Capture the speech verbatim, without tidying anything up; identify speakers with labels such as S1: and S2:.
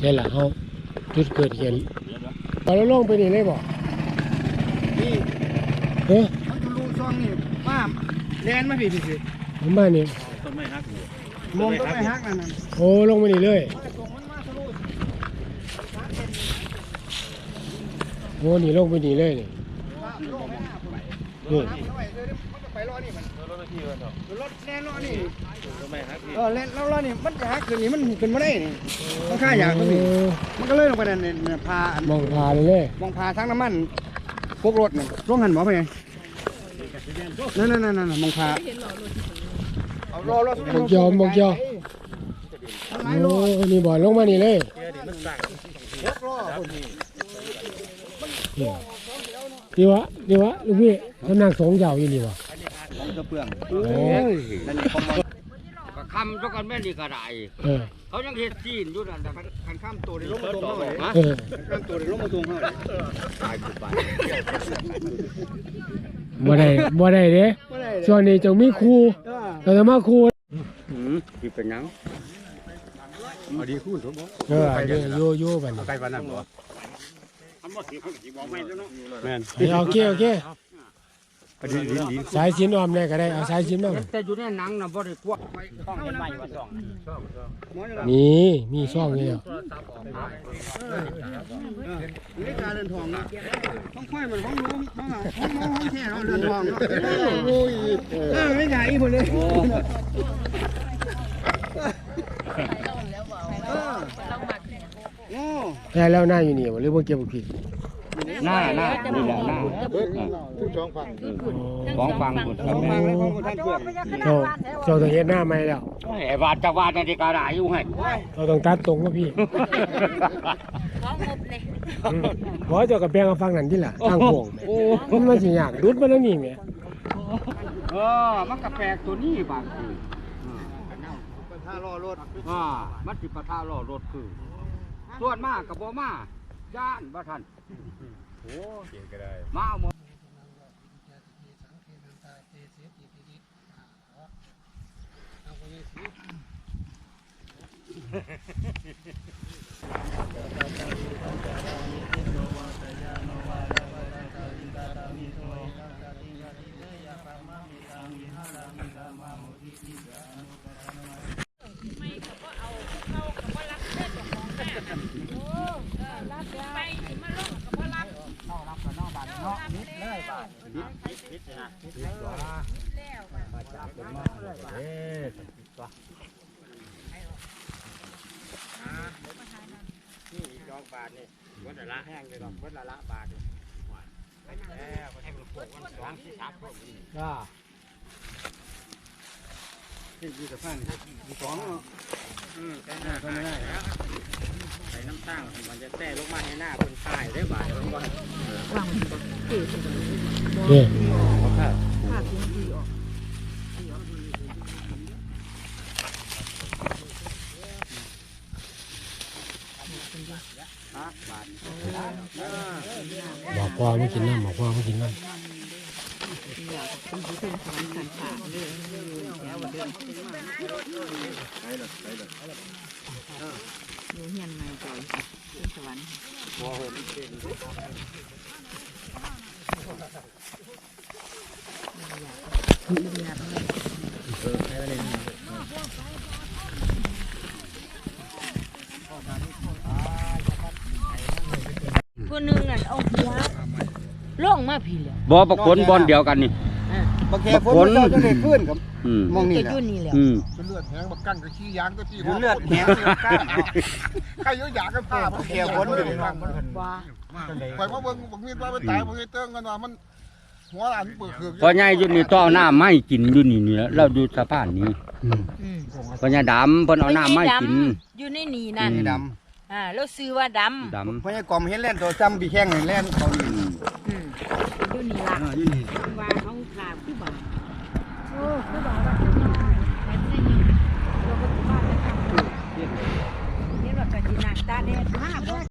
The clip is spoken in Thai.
S1: ช่ล่ะเขาจุดเกิดเหตุพอเราลงไปนี่เลยบอก
S2: นี่
S1: เฮ้ย
S2: เขาจะรู้ช่องนี่มาแลนมาพี่พี่พี่
S1: ผมมานี่
S3: ต้นไม้ฮักอยู่
S2: มองต้นไม้ฮักนั่นน่ะ
S1: โอ้ลงไปนี่เลยโอ้นี่ลงไปนี่เลยนี่นี่
S2: ไปรอนี่มัน
S3: รถที่มันเถอะ
S2: รถแล่นรอนี่
S3: ต้นไม้ฮักที่
S2: เออแล่นรอนี่มันจะฮักขึ้นนี่มันขึ้นมาได้นี่มันค่าอย่างมันนี่มันก็เลยลงไปนั่นเนี่ยพาม
S1: องพาเลยเลย
S2: มองพาทั้งน้ำมันพวกรถน่ะร่วงหันหมอไปไงนั่นนั่นนั่นมองพาเอารอรอ
S1: บอกยอมบอกยอมโอ้นี่บ่ลงมานี่เลย
S3: เดี๋ยวมันสั่ง
S2: พวกรอ
S1: นี่นี่วะนี่วะลูกพี่กำลังสงเหยาอยู่นี่วะ
S2: ของกระเปื่อง
S1: โอ้ย
S2: นั่นนี่ของมัน
S4: ก็คำทุกคนแม่นดีก็ได้
S1: เออ
S4: เขายังเฮ็ดจีนอยู่นั่นแต่คันข้ามตัวใน
S2: ล
S4: ล
S2: ง
S4: ง
S2: มา
S4: มา
S2: ต
S4: ต
S2: ร
S4: รง ง
S2: เท่าไหร่
S4: ฮะ
S1: เออ
S2: ข้ามตัวเลยลงมาตรงเท่าไหร่
S4: ตายกูไป
S1: บ่ได้บ่ได้เด้ช่วงนี้จงมีครูเราจะมาครู
S4: หืมสิเป็นหยัง
S2: เอาดีคู่สมบูรณ์
S1: เออเดี๋ยวโยโย่บัดนี้
S2: ใกล้ปานนั้นบ่
S4: อันบ่สิสิบอกไม่แล้วเนาะ
S2: แม่น
S1: โอเคโอเค
S2: ดีดีดี
S1: สายสินออมได้ก็ได้เอาสายสินมา
S4: แต่อยู่ในหนังน่ะบ่ได้กวักต้องเห็นไหมว่าต้อง
S1: นี่มีช่องนี่แล้ว
S2: นี่การเรือนทองนะห้องค่อยมันห้องรู้ห้องห้องห้องแท้เราเรือนทองเนาะโอ้ยเออไม่ใหญ่หมดเลยโอ้
S1: ได้แล้วหน้าอยู่นี่บ่หรือบ่เก็บบ่ผิด
S4: หน้าหน้านี่แหละหน้า
S2: ทุกช่องฟัง
S4: ของฟังหมด
S2: ช่องฟังเลยของท่านเพื่อน
S1: เจ้าเจ้าต้องเฮ็ดหน้าใหม่แล้ว
S4: ไอ้บาดจะวาดในที่ก็ได้อยู่ให้
S1: เราต้องตัดตรงว่าพี่
S5: ของงบเลย
S1: อืมบ่เจ้าก็แบ่งเอาฟังนั่นที่ล่ะทางโค้งแหมมันมันสิยากดุดมาแล้วนี่แหม
S4: เออมันก็แปลกตัวนี้บางที
S2: ถ้ารอรถ
S4: อ่ามันสิปะทะล้อรถคือส่วนมากก็บ่มาย่านบ่ทันโอ้เก่งก็ได้มาเอาหมด จองบาทนี่วัดละแห้งเลยดอกวัดละละบาทนี่แล้วให้มันพวกวันสองที่สามพวกนี้
S1: จ้า
S2: ที่ยี่สิบห้าสอง
S4: อืมแต่หน้าก็ไม่ได้ใส่น้ำตั้งมันจะแต่ลงมาให้หน้าคนถ่ายได้บาทมันก็
S1: นี่
S4: บาท
S1: บอกพ่อไม่กินน้ำบอกพ่อไม่กินน้ำ
S5: อยู่เฮียนไม่จ่อยขึ้นสวรรค์คนหนึ่งน่ะเอาหัวล่องมาพี่เลย
S4: บ่ประคนบอลเดียวกันนี่
S2: บางแค่คนเราจะได้ขึ้นครับ
S4: อืม
S2: มองนี่
S5: จะ
S2: แหละ
S5: ยุ่นนี่แหละ
S4: อืม
S6: เป็นเลือดแห้งบักกั้นกับขี้ยางก็ขี้
S2: เลือดแห้งเลือดก้าน
S6: ใครเยอะอยากกันผ้า
S2: แค่คนอยู่
S5: ว่า
S6: ไปว่าเบิ่งบักมีดว่าไปตายบักมีดเติ้งกันว่ามันหัวอันเปิดคือ
S4: พอใหญ่อยู่นี่ต่อหน้าไม่กินอยู่นี่นี่แล้วเราดูสะพานนี้
S1: อืม
S5: อืม
S4: พอใหญ่ดำเพิ่นเอาหน้าไม่กิน
S5: อยู่ในนี่นั่น
S2: นี่ด
S5: อ่าแล้วซื้อว่าด
S4: ด
S2: ำเพราะไอ้กอมเห็นแล่นตัวจำปีแข้งแล่นเขานี่
S5: ำอืมอยู่นี่ละ
S2: อยู่นี่
S5: ว่าเขาขาดคือบ่าโอ้คือบ่าว่าจะมีแต่ไม่ได้ยินเราก็บ้านแล้วทำเห็นว่าก็ดีหนักตาแดดมาก